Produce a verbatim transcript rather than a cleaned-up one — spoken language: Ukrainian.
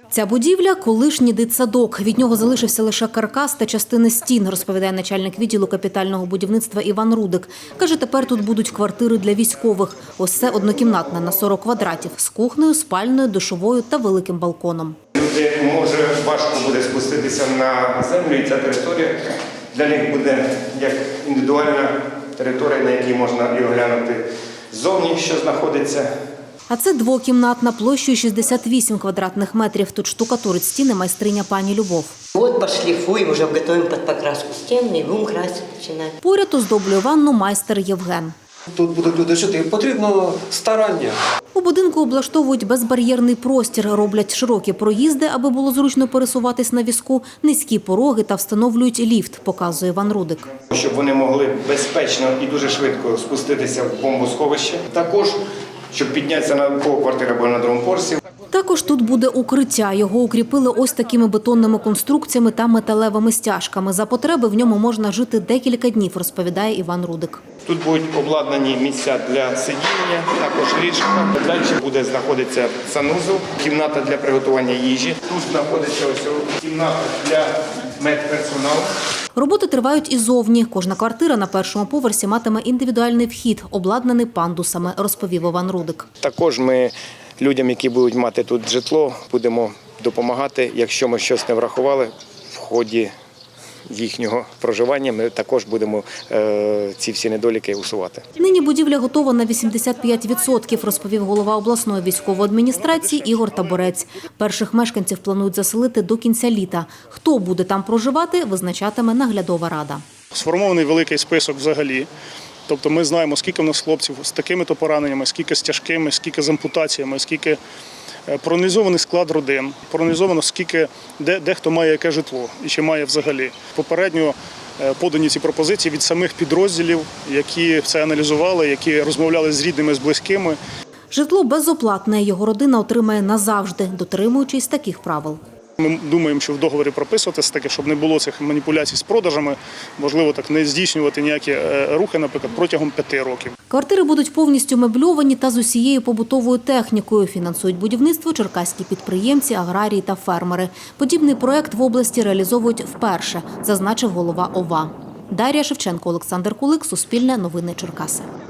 Ця будівля – колишній дитсадок. Від нього залишився лише каркас та частини стін, розповідає начальник відділу капітального будівництва Іван Рудик. Каже, тепер тут будуть квартири для військових. Ось це однокімнатна на сорок квадратів з кухнею, спальною, душовою та великим балконом. Люди, може, важко буде спуститися на землю, і ця територія для них буде як індивідуальна територія, на якій можна і оглянути ззовні, що знаходиться. А це двокімнатна площею шістдесят вісім квадратних метрів. Тут штукатурить стіни майстриня пані Любов. Вот пошлифуем, уже готовим под покраску стен и будем красить начинать. Поряд оздоблює ванну майстер Євген. Тут будуть люди жити, потрібно старання. У будинку облаштовують безбар'єрний простір, роблять широкі проїзди, аби було зручно пересуватись на візку, низькі пороги та встановлюють ліфт, показує Іван Рудик. Щоб вони могли безпечно і дуже швидко спуститися в бомбосховище. Також, щоб піднятися на квартиру або на другому поверсі. Також тут буде укриття. Його укріпили ось такими бетонними конструкціями та металевими стяжками. За потреби в ньому можна жити декілька днів, розповідає Іван Рудик. Тут будуть обладнані місця для сидіння, також ліжка. Далі буде знаходитися санузел, кімната для приготування їжі. Тут знаходиться ось кімната для медперсоналу. Роботи тривають і зовні. Кожна квартира на першому поверсі матиме індивідуальний вхід, обладнаний пандусами, розповів Іван Рудик. Також ми людям, які будуть мати тут житло, будемо допомагати. Якщо ми щось не врахували в ході їхнього проживання, ми також будемо е, ці всі недоліки усувати. Нині будівля готова на вісімдесят п'ять відсотків, розповів голова обласної військової адміністрації Ігор Таборець. Перших мешканців планують заселити до кінця літа. Хто буде там проживати, визначатиме наглядова рада. Сформований великий список взагалі. Тобто ми знаємо, скільки в нас хлопців з такими-то пораненнями, скільки з тяжкими, скільки з ампутаціями, скільки проаналізований склад родин, проаналізовано, скільки, де, де хто має яке житло і чи має взагалі. Попередньо подані ці пропозиції від самих підрозділів, які це аналізували, які розмовляли з рідними, з близькими. Житло безоплатне, його родина отримає назавжди, дотримуючись таких правил. Ми думаємо, що в договорі прописуватися таке, щоб не було цих маніпуляцій з продажами, можливо, так не здійснювати ніякі рухи, наприклад, протягом п'яти років. Квартири будуть повністю мебльовані та з усією побутовою технікою. Фінансують будівництво черкаські підприємці, аграрії та фермери. Подібний проект в області реалізовують вперше, зазначив голова ОВА. Дар'я Шевченко, Олександр Кулик, Суспільне новини Черкаси.